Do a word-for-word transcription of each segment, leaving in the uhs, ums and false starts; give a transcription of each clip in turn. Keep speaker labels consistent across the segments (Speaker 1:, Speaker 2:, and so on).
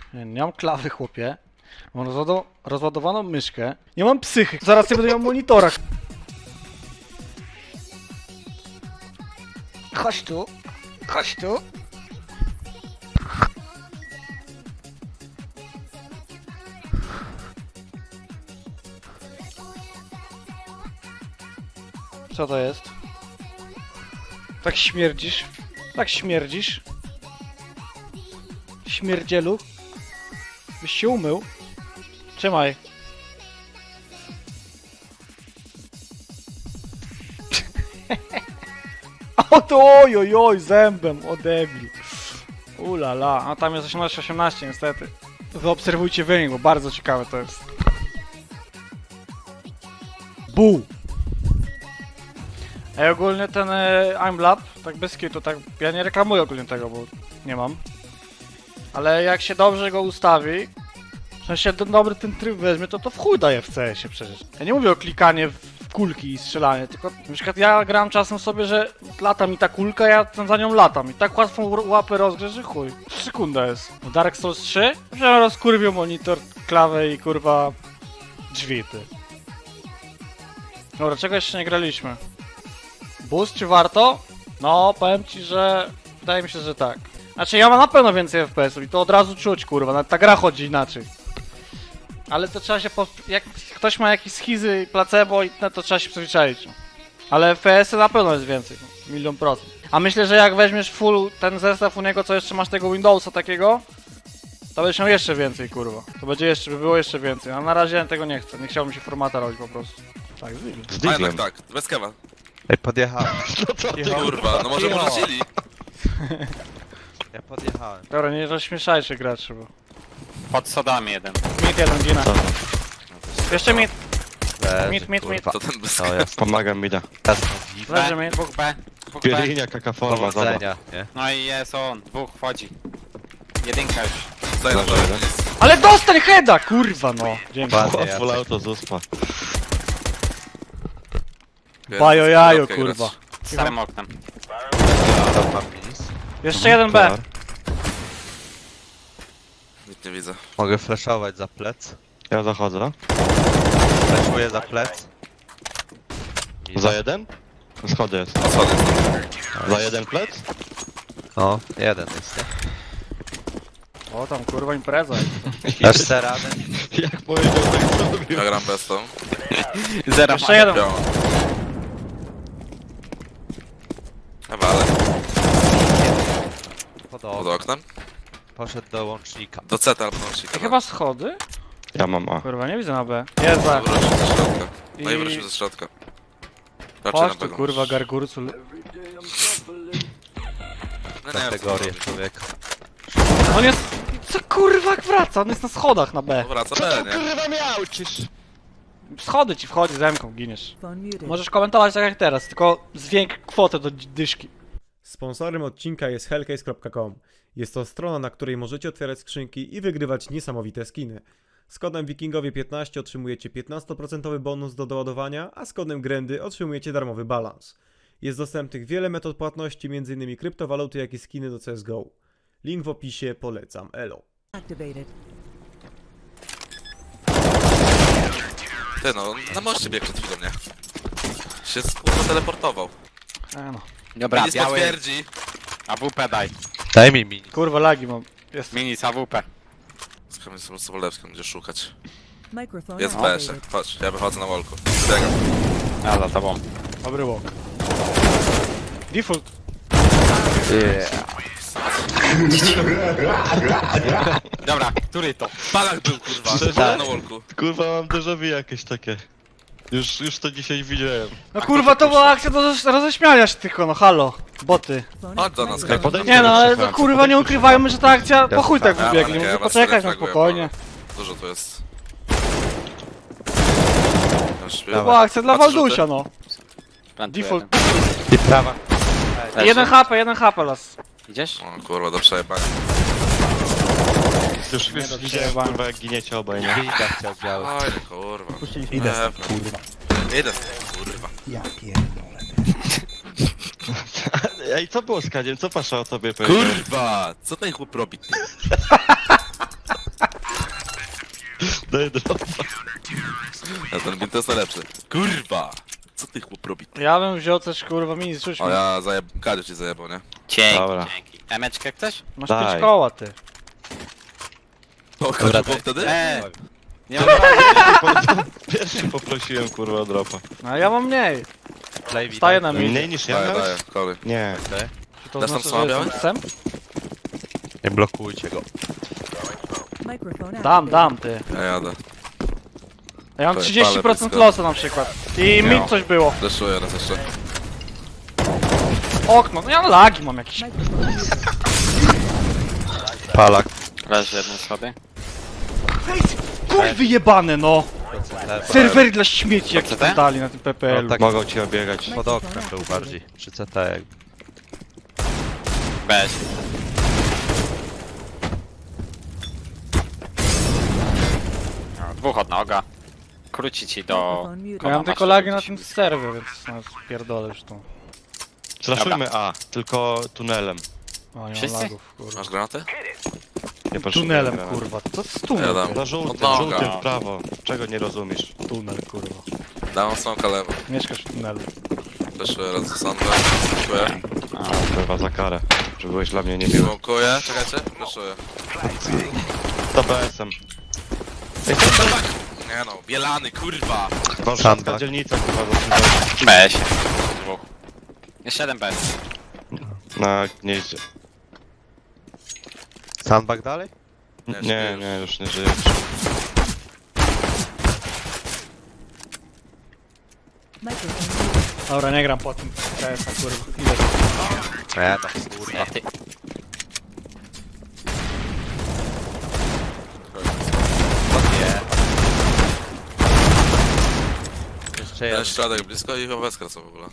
Speaker 1: Nie, nie mam klawy, chłopie. Mam rozładu rozładowaną myszkę. Nie mam psychy. Zaraz nie będę miał monitora. Chodź tu. Chodź tu. Co to jest? Tak śmierdzisz? Tak śmierdzisz? Śmierdzielu? Byś się umył? Trzymaj. O to oj, oj, oj, zębem, o debil. Ulala, a tam jest osiemnaście osiemnaście niestety. Wyobserwujcie wynik, bo bardzo ciekawe to jest. Bu! Ej, ogólnie ten e, I'm Lab, tak bez kitu, tak, ja nie reklamuję ogólnie tego, bo nie mam. Ale jak się dobrze go ustawi, w sensie ten dobry ten tryb weźmie, to to w chuj daje w C S ie przecież. Ja nie mówię o klikanie w kulki i strzelanie, tylko na przykład ja gram czasem sobie, że lata mi ta kulka, ja za nią latam i tak łatwą łapę rozgrzę, że chuj. Sekunda jest. W Dark Souls trzy? Że rozkurwił monitor, klawę i kurwa drzwi, ty. Dobra, czego jeszcze nie graliśmy? Boost czy warto? No, powiem ci, że wydaje mi się, że tak. Znaczy ja mam na pewno więcej F P S ów i to od razu czuć, kurwa, nawet ta gra chodzi inaczej. Ale to trzeba się, po... jak ktoś ma jakieś schizy i placebo i no, to trzeba się przyzwyczaić. Ale F P S y na pewno jest więcej, milion procent. A myślę, że jak weźmiesz full ten zestaw u niego, co jeszcze masz tego Windowsa takiego, to będziesz miał jeszcze więcej, kurwa. To będzie jeszcze, by było jeszcze więcej, a na razie tego nie chcę, nie chciałbym się formata robić po prostu. Tak, z
Speaker 2: A jednak tak, bez kewa.
Speaker 3: Ej, podjechałem.
Speaker 2: No co ty kurwa, no może wrócili.
Speaker 3: Ja podjechałem.
Speaker 1: Dobra, nie rozśmieszajcie graczy, bo...
Speaker 4: Pod sodami jeden.
Speaker 1: Mid jeden, Gina. Jeszcze mid,
Speaker 3: Leży,
Speaker 1: mid, mid, mid.
Speaker 3: kurwa.
Speaker 2: To ten bez
Speaker 3: No
Speaker 2: kewa.
Speaker 3: jest.
Speaker 5: Pomagam mi da.
Speaker 3: Jasno dziwne.
Speaker 1: Leży mid.
Speaker 4: Dwóch B. Dwóch B.
Speaker 5: Pielinia, kakaforma, zobacz.
Speaker 3: Powodzenia, nie?
Speaker 4: No i jest on. Dwóch wchodzi. Jedynka już.
Speaker 2: Daj na to.
Speaker 1: Ale dostań heada, kurwa no. Dzięki.
Speaker 3: Ładnie,
Speaker 5: Full
Speaker 3: Jacek.
Speaker 5: auto z uspa.
Speaker 1: Bajo jajo, kurwa.
Speaker 4: Z starym oknem.
Speaker 3: Tam mam minis.
Speaker 1: Jeszcze jeden B.
Speaker 2: Nic nie widzę.
Speaker 3: Mogę flashować za plec.
Speaker 5: Ja zachodzę.
Speaker 3: Flashuję za plec. Mina.
Speaker 5: Za jeden? Schody jest.
Speaker 2: O schody.
Speaker 5: Za jeden plec?
Speaker 3: No, jeden jest, nie?
Speaker 1: O tam kurwa impreza.
Speaker 3: Dasz se radę?
Speaker 5: Jak powiedział, tak zrobił.
Speaker 2: Ja gram bez tą.
Speaker 4: Zero.
Speaker 1: Jeszcze jeden.
Speaker 2: Białą. Chyba, ale
Speaker 3: Pod
Speaker 2: pod
Speaker 3: okno.
Speaker 2: oknem.
Speaker 3: Poszedł do łącznika.
Speaker 2: Do C albo łącznika.
Speaker 1: I chyba schody?
Speaker 5: Ja mam A.
Speaker 1: Kurwa, nie widzę na B. Jest B.
Speaker 2: Wrócił ze środka. No i
Speaker 1: I-
Speaker 2: wrócił ze środka. Raczej na
Speaker 1: Chodź tu
Speaker 2: pewno.
Speaker 1: kurwa gargurcu.
Speaker 2: No nie,
Speaker 3: Kategorię
Speaker 2: co
Speaker 3: człowieka.
Speaker 1: On jest... Co kurwa jak wraca? On jest na schodach na B.
Speaker 2: no wraca B, nie?
Speaker 5: Kurwa miał, cisz!
Speaker 1: Schody ci wchodzi, zemką, giniesz.
Speaker 6: Phone muted.
Speaker 1: Możesz komentować tak jak teraz, tylko zwięk kwotę do dyszki.
Speaker 7: Sponsorem odcinka jest hellcase kropka com. Jest to strona, na której możecie otwierać skrzynki i wygrywać niesamowite skiny. Z kodem wikingowie piętnaście otrzymujecie piętnaście procent bonus do doładowania, a z kodem grendy otrzymujecie darmowy balans. Jest dostępnych wiele metod płatności, m.in. kryptowaluty, jak i skiny do C S G O. Link w opisie, polecam, elo.
Speaker 6: Activated.
Speaker 2: Ty no, na moście biegł przed chwilą, nie? Się kurwa teleportował.
Speaker 1: E no.
Speaker 4: Dobra,
Speaker 2: Nic
Speaker 4: biały.
Speaker 2: potwierdzi.
Speaker 4: A W P daj.
Speaker 3: Daj mi mini.
Speaker 1: Kurwa lagi mam. Jest.
Speaker 4: Minis A W P.
Speaker 2: Z Kamil Sobolewskim będzie szukać.
Speaker 6: Microphone
Speaker 2: Jest w B jeszcze.
Speaker 6: activated.
Speaker 2: Chodź, ja wychodzę na wolku. Biegam.
Speaker 4: Ja za tobą.
Speaker 1: Dobry walk. Default.
Speaker 4: Dobra, który to?
Speaker 2: Balak był kurwa.
Speaker 5: Szczerze?
Speaker 2: Na wolku.
Speaker 5: Kurwa mam déjà vu jakieś takie. Już, już to dzisiaj widziałem.
Speaker 1: No kurwa to była akcja do roz- roześmiania się tylko, no halo. Boty.
Speaker 6: Phone
Speaker 2: Chodź do nas,
Speaker 6: activated.
Speaker 5: Podejdź
Speaker 1: Nie no, ale to
Speaker 5: Słucham,
Speaker 1: kurwa nie ukrywajmy, że ta akcja po chuj tak
Speaker 2: Ja,
Speaker 1: wybiegli.
Speaker 2: ale ja
Speaker 1: Może
Speaker 2: was
Speaker 1: poczekać na
Speaker 2: refraguję,
Speaker 1: spokojnie.
Speaker 2: bo Dużo tu jest. Już
Speaker 1: To była akcja dla
Speaker 2: Patrzę,
Speaker 1: Waldusia, no.
Speaker 4: Plantuję
Speaker 1: Default.
Speaker 4: jeden.
Speaker 3: I prawa.
Speaker 4: Leży.
Speaker 1: Jeden H P, jeden H P las.
Speaker 4: Idziesz?
Speaker 2: O kurwa, do przejebania.
Speaker 5: Już, już
Speaker 1: do
Speaker 5: widziałem
Speaker 1: przejebania.
Speaker 5: kurwa jak giniecie obaj, nie?
Speaker 3: Winda chciał biały.
Speaker 2: Oj, kurwa.
Speaker 8: Idę
Speaker 2: Pewno.
Speaker 8: stąd, kurwa.
Speaker 2: Idę stąd, kurwa.
Speaker 8: Ja pierdolę.
Speaker 5: Ej, co było z Kadziem? Co Pasza o tobie powiedział?
Speaker 2: Kurwa! Co ten chłop robi?
Speaker 5: Daj dropa.
Speaker 2: Ja ten bint jest najlepszy. Kurwa! Co ty chłop robi?
Speaker 1: Ja bym wziął też kurwa mini, rzuć mi.
Speaker 2: O ja zajeb... Kadzie ci zajebał, nie?
Speaker 4: Dzięki,
Speaker 5: Dobra.
Speaker 4: dzięki. Emeczkę ktoś?
Speaker 1: Masz
Speaker 5: Daj.
Speaker 1: pięć koła, ty.
Speaker 2: O, Kadzie było wtedy?
Speaker 4: Eee! Nie mam
Speaker 5: Pierwszy poprosiłem kurwa o dropa.
Speaker 1: No a ja mam mniej.
Speaker 3: Play
Speaker 1: Staję na mi.
Speaker 5: Mniej niż ja
Speaker 2: Daję, daję,
Speaker 5: miałeś?
Speaker 2: kolej.
Speaker 5: Nie.
Speaker 1: Czy to
Speaker 2: Dasz tam
Speaker 1: znaczy,
Speaker 2: słaba
Speaker 1: że
Speaker 2: białe?
Speaker 1: jestem psem?
Speaker 3: Nie blokujcie go.
Speaker 6: Microphone
Speaker 1: Dam,
Speaker 6: activated.
Speaker 1: dam, ty.
Speaker 2: Ja jadę.
Speaker 1: Ja mam
Speaker 2: To jest
Speaker 1: trzydzieści procent
Speaker 2: palę blisko.
Speaker 1: losu na przykład. I
Speaker 2: Nie.
Speaker 1: mi coś było.
Speaker 2: Deszuję raz jeszcze.
Speaker 1: Okno, no ja lagi mam jakieś.
Speaker 6: Microphone muted.
Speaker 3: Palak.
Speaker 4: Leży jeden schody.
Speaker 1: Kurwy jebane, no! Serwery dla śmieci jak
Speaker 4: C T?
Speaker 1: tam dali na tym P P L.
Speaker 3: No tak.
Speaker 5: Mogą ci obiegać.
Speaker 3: Pod oknem był bardziej. Przy C T jakby.
Speaker 4: Bez. No, dwóch od noga. Króci ci do...
Speaker 6: Microphone muted.
Speaker 1: Ja mam
Speaker 4: masz
Speaker 1: tylko lagi na
Speaker 4: jakieś-
Speaker 1: tym serwie, więc no, pierdolę już tu.
Speaker 5: Zraszujmy A, tylko tunelem.
Speaker 1: O, nie mam
Speaker 4: Wszyscy?
Speaker 1: lagów, kurwa.
Speaker 2: Masz granaty?
Speaker 5: Nie potrzebuję
Speaker 1: Tunelem,
Speaker 5: granatu.
Speaker 1: kurwa. Co z
Speaker 2: Ja
Speaker 1: tunel?
Speaker 2: dam.
Speaker 1: kurwa?
Speaker 5: Na żółtym,
Speaker 2: Od noga.
Speaker 5: żółtym w prawo. Czego nie rozumiesz?
Speaker 1: Tunel, kurwa.
Speaker 2: Dam smoka lewo.
Speaker 1: Mieszkasz w tunelu.
Speaker 2: Deszuję raz do sądu. Dziękuję.
Speaker 5: Kurwa za karę. Że byłeś dla mnie niemiły.
Speaker 2: Smokuję, czekajcie. Deszuję.
Speaker 5: To B S-em.
Speaker 2: Nie no, bielany, kurwa!
Speaker 5: Warszawska
Speaker 3: Sandbag.
Speaker 5: dzielnica kurwa za
Speaker 4: Bez. Dwóch. Jeszcze jeden bez.
Speaker 5: Na gnieździe.
Speaker 3: Sandbag dalej?
Speaker 2: Nie,
Speaker 5: Nie,
Speaker 2: śpię
Speaker 5: nie, już nie żyję.
Speaker 6: Microphone muted.
Speaker 1: Dobra, nie gram po tym. K S a kurwa. Ile to?
Speaker 3: Nie, tam kurwa.
Speaker 4: Nie, ty.
Speaker 3: To nie. Jeszcze
Speaker 2: Jeden
Speaker 3: jeden.
Speaker 2: środek blisko i owecka co w ogóle.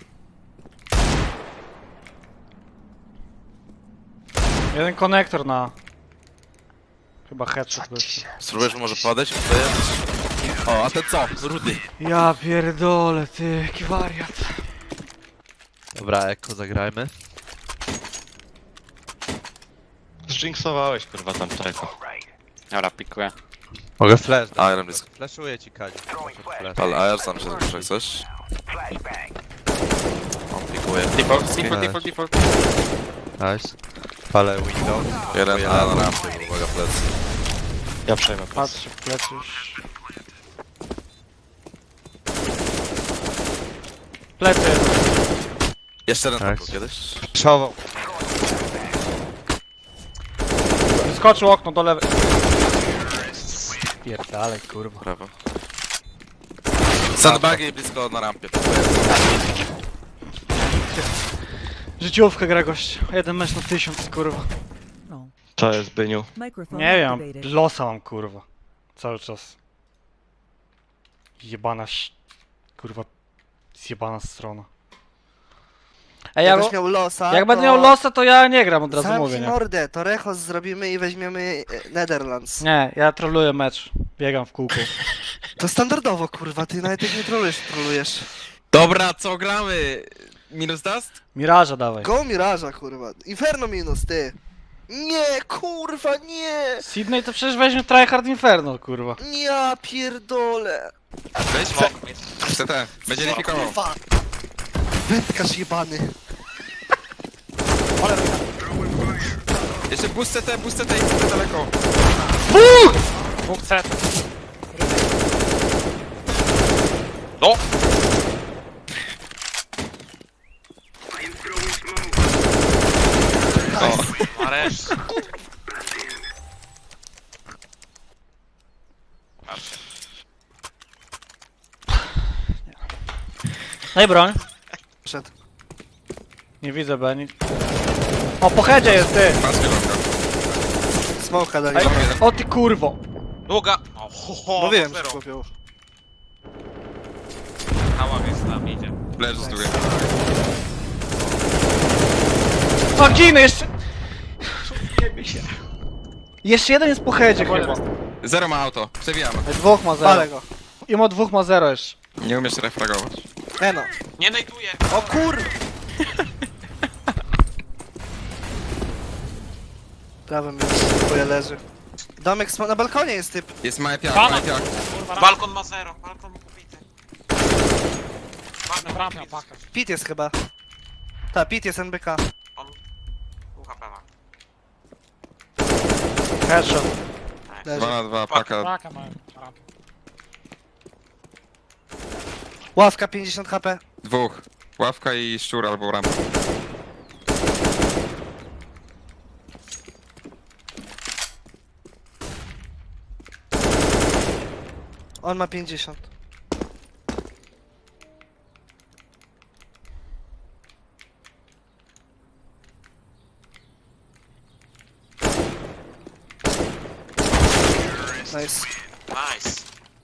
Speaker 1: Jeden konektor na... Chyba headshot był.
Speaker 2: Spróbujesz może padać? Tutaj O, a ten co? Rudy.
Speaker 1: Ja pierdolę, ty, jaki wariat.
Speaker 3: Dobra, Eko zagrajmy.
Speaker 5: Zjinksowałeś kurwa tam czeko.
Speaker 4: Dobra, pikuję.
Speaker 3: Mogę flash dać.
Speaker 2: A, jeden blisko.
Speaker 3: Flashuję ci Kazi. Flash.
Speaker 2: Ale A R sam się zrobisz jak coś. On pikuje.
Speaker 4: Default, default, default, default.
Speaker 3: Nice. Palę window.
Speaker 2: Jeden A na rampie, uwaga plecy.
Speaker 5: Ja przejmę pas.
Speaker 1: Patrzcie w plecy już. Plecy.
Speaker 2: Jeszcze jeden tam
Speaker 3: Tak.
Speaker 2: był kiedyś.
Speaker 3: Przował.
Speaker 1: Wyskoczył okno do lewej. Pierdalej, kurwa.
Speaker 2: Prawo. Sandbagi blisko na rampie.
Speaker 1: Życiówkę gra gość. Jeden mecz na tysiąc, kurwa.
Speaker 6: Oh.
Speaker 5: To jest Byniu.
Speaker 6: Microphone
Speaker 1: Nie wiem,
Speaker 6: activated.
Speaker 1: losa mam, kurwa. Cały czas. Jebana ś... Kurwa. Zjebana strona. Ej, ja,
Speaker 8: Jakbyś miał losa,
Speaker 1: jak
Speaker 8: to
Speaker 1: będę miał losa, to ja nie gram, od razu
Speaker 8: zamknij
Speaker 1: mówię, nie?
Speaker 8: mordę, to Rechos zrobimy i weźmiemy e, Netherlands.
Speaker 1: Nie, ja trolluję mecz. Biegam w kółku.
Speaker 8: To standardowo, kurwa, ty nawet jak nie trolujesz, trolujesz.
Speaker 4: Dobra, co gramy? Minus dust?
Speaker 1: Miraża dawaj.
Speaker 8: Go Miraża, kurwa. Inferno minus, ty. Nie, kurwa, nie.
Speaker 1: Sydney to przecież weźmie Tryhard Inferno, kurwa.
Speaker 8: Ja pierdolę.
Speaker 4: Weź smok. C T. Będzie lifikował.
Speaker 8: Kurwa. Wędkarz jebany.
Speaker 4: Jeszcze boost C T, boost C T i C T daleko.
Speaker 1: Dwóch C.
Speaker 4: No! O, Maresz.
Speaker 1: Daj broń.
Speaker 8: Przed.
Speaker 1: Nie widzę Beni. O, po headzie jest ty!
Speaker 2: Patrz kierunka.
Speaker 8: Smoka dali.
Speaker 1: Ej, o ty kurwo!
Speaker 4: Długa. O, ho, ho,
Speaker 8: Mówiłem, że
Speaker 4: zero.
Speaker 8: chłopią.
Speaker 4: Hała więc tam idzie.
Speaker 2: Leży z drugiej.
Speaker 1: O, ginę jeszcze! Jebie się. Jeszcze jeden jest po headzie chyba.
Speaker 2: Zero ma auto. Przewijamy.
Speaker 1: Ej, dwóch ma
Speaker 8: Ale
Speaker 1: zero.
Speaker 8: go.
Speaker 1: I ma dwóch ma zero jeszcze.
Speaker 2: Nie umiesz refragować.
Speaker 8: Nie no.
Speaker 4: Nie najtuję.
Speaker 8: O kur... Prawym już twoje leży. Domek sm- na balkonie jest typ.
Speaker 2: Jest mały piach,
Speaker 4: Pana!
Speaker 2: mały piach.
Speaker 4: Kurwa,
Speaker 9: Balkon ma zero, balkon pobity.
Speaker 4: na bramę, na pakę.
Speaker 8: Pit jest chyba. Ta, Pit jest N B K.
Speaker 9: U H P ma.
Speaker 1: Headshot.
Speaker 8: Leży.
Speaker 2: dwa na dwa, paka.
Speaker 4: Pakę mają. na rampie.
Speaker 8: Ławka pięćdziesiąt H P.
Speaker 2: Dwóch. Ławka i szczur albo rampa.
Speaker 8: On ma pięćdziesiąt. Nice.
Speaker 9: Nice.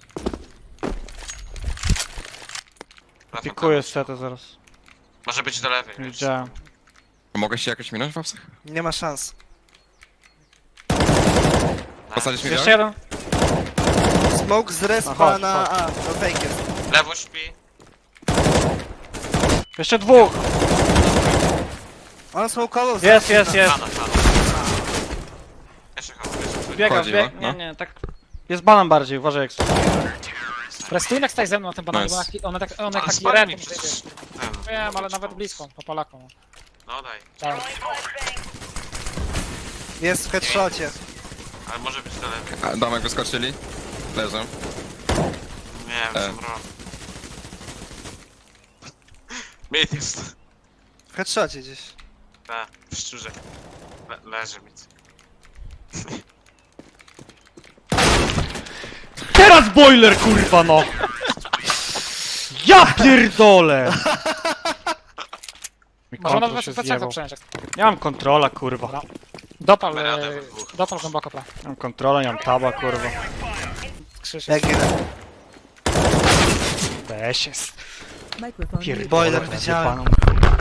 Speaker 9: Wracam
Speaker 1: Pikuję setę zaraz.
Speaker 9: tam. Może być do lewej.
Speaker 1: Nie
Speaker 9: wiesz.
Speaker 1: widziałem.
Speaker 2: Mogę się jakoś minąć w apsach?
Speaker 8: Nie ma szans.
Speaker 2: Posadzisz mi
Speaker 1: Jeszcze jeden.
Speaker 8: Smoke z respa
Speaker 1: Aha,
Speaker 8: na A. To fake jest.
Speaker 9: Lewo śpi.
Speaker 1: Jeszcze dwóch.
Speaker 8: On smokeował z
Speaker 1: Jest, jest, jest.
Speaker 9: Pana, pana. Jeszcze chyba, jeszcze
Speaker 1: Biegam,
Speaker 2: Wchodzi,
Speaker 1: bieg...
Speaker 2: no,
Speaker 1: Nie,
Speaker 2: no.
Speaker 1: nie, tak... Jest banan bardziej, uważaj jak
Speaker 4: Prestunek staj ze mną na tym bananie,
Speaker 2: Nice.
Speaker 4: bo jak- one tak, one
Speaker 9: Ale
Speaker 4: taki
Speaker 9: spadł mi
Speaker 4: red.
Speaker 9: przecież ten.
Speaker 4: Wiem, ale nawet blisko, po Polakom.
Speaker 9: No daj.
Speaker 4: Tak.
Speaker 8: Jest w headshocie.
Speaker 9: Ale może być do lewej.
Speaker 2: A, domek wyskoczyli. Leżą.
Speaker 9: Nie wiem,
Speaker 2: E.
Speaker 9: co robię. Mit jest.
Speaker 8: W headshocie gdzieś.
Speaker 9: Tak, w szczurze. Le leży mit.
Speaker 1: Teraz boiler, kurwa, no! Ja pierdolę! Mi
Speaker 4: Można
Speaker 1: kontrol
Speaker 4: nawet
Speaker 1: się
Speaker 4: w plecach to
Speaker 1: zjebał.
Speaker 4: przejąć.
Speaker 1: Nie mam kontrola, kurwa.
Speaker 4: Dobra. Dopal,
Speaker 9: Radę
Speaker 4: e,
Speaker 9: we dwóch.
Speaker 4: dopal głęboko, pra.
Speaker 1: Nie mam kontrola, nie mam taba, kurwa.
Speaker 4: Krzyż
Speaker 8: Jak
Speaker 4: jest.
Speaker 8: ginę.
Speaker 1: Weź jest.
Speaker 6: Microphone muted.
Speaker 1: Pierdolę,
Speaker 8: Boiler widziałem.
Speaker 1: jebaną.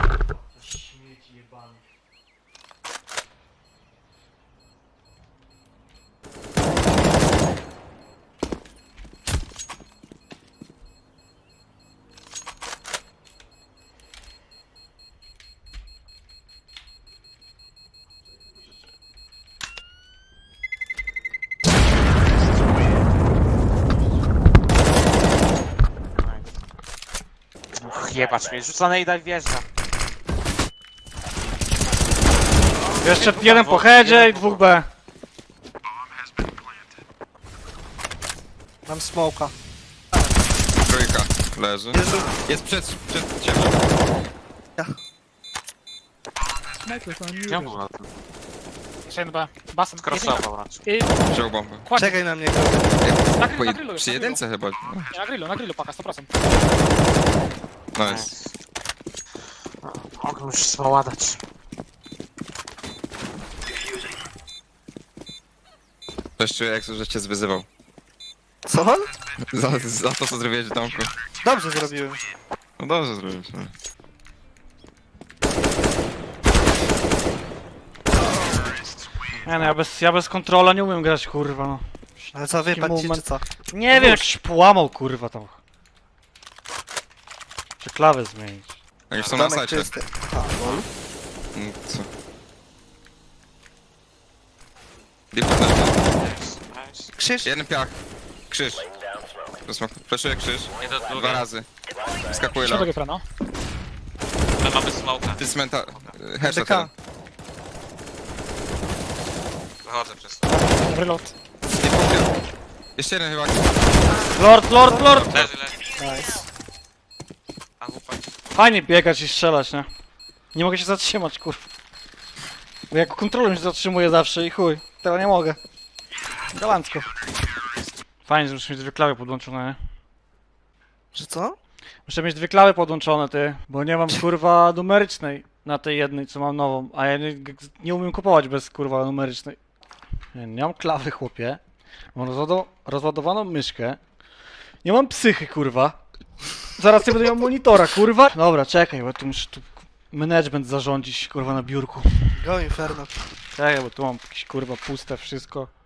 Speaker 9: Uch, jebacz mnie, rzucane i daj wjeżdża.
Speaker 1: Jeszcze jeden po headzie i dwóch B.
Speaker 8: Mam smoka.
Speaker 2: Trójka. Leży.
Speaker 8: Jezu.
Speaker 2: Jest przed, przed ciebie.
Speaker 6: Microphone
Speaker 9: Ja
Speaker 6: muted.
Speaker 9: był na tym.
Speaker 4: Jeszcze jeden B. Basen.
Speaker 9: Crossował raczej.
Speaker 4: I
Speaker 2: Wziął bombę.
Speaker 4: kładź.
Speaker 8: Czekaj na mnie.
Speaker 4: Na grillu,
Speaker 2: Po
Speaker 4: na
Speaker 2: jed-
Speaker 4: grillu,
Speaker 2: Przy
Speaker 4: na
Speaker 2: jedynce chyba.
Speaker 4: Nie, na grillu, na grillu paka, sto procent.
Speaker 2: Nice.
Speaker 9: Mogę już smoładać.
Speaker 2: Coś czuję jak że cię zwyzywał.
Speaker 8: Co?
Speaker 2: Za, za to co zrobiłeś w domku.
Speaker 8: Dobrze zrobiłem.
Speaker 2: No dobrze zrobiłeś. No.
Speaker 1: Nie no, ja bez, ja bez kontrola nie umiem grać, kurwa, no.
Speaker 8: Ale co, wypadł ci czy
Speaker 1: moment.
Speaker 8: co?
Speaker 1: Nie wiem, jak się połamał, kurwa, tam. Czy klawę zmienić?
Speaker 2: Jak już są na
Speaker 8: Domek
Speaker 2: sajcie.
Speaker 8: czysty. A, lol.
Speaker 2: Mm, Co? Default leży.
Speaker 9: Nice.
Speaker 8: Krzyż.
Speaker 2: Jeden piach. Krzyż. Fleszuję krzyż.
Speaker 9: Nie do
Speaker 2: Dwa
Speaker 9: drugiej.
Speaker 2: razy. Skakuje
Speaker 4: Środek
Speaker 2: low.
Speaker 4: Efra, no.
Speaker 9: My mamy smoka.
Speaker 2: Ty cmenta... Headshot
Speaker 8: D K.
Speaker 2: jeden.
Speaker 9: Wychodzę przez to.
Speaker 4: Reload.
Speaker 2: Default. Jeszcze jeden chyba.
Speaker 1: Lord, lord, lord!
Speaker 9: Leży, leży.
Speaker 8: Nice.
Speaker 9: A chłopaki.
Speaker 1: Fajnie biegać i strzelać, nie? Nie mogę się zatrzymać, kurwa. Bo jak kontrolą się zatrzymuję zawsze i chuj. Teraz nie mogę. Galancko. Fajnie, że muszę mieć dwie klawy podłączone, nie?
Speaker 8: Że co?
Speaker 1: Muszę mieć dwie klawy podłączone, ty. Bo nie mam, kurwa, numerycznej na tej jednej, co mam nową. A ja nie, nie umiem kupować bez, kurwa, numerycznej. Nie, nie mam klawy, chłopie. Mam rozładu rozładowaną myszkę. Nie mam psychy, kurwa. Zaraz nie będę miał monitora, kurwa. Dobra, czekaj, bo tu muszę tu management zarządzić, kurwa, na biurku.
Speaker 8: Go Inferno.
Speaker 1: Czekaj, bo tu mam jakieś, kurwa, puste wszystko.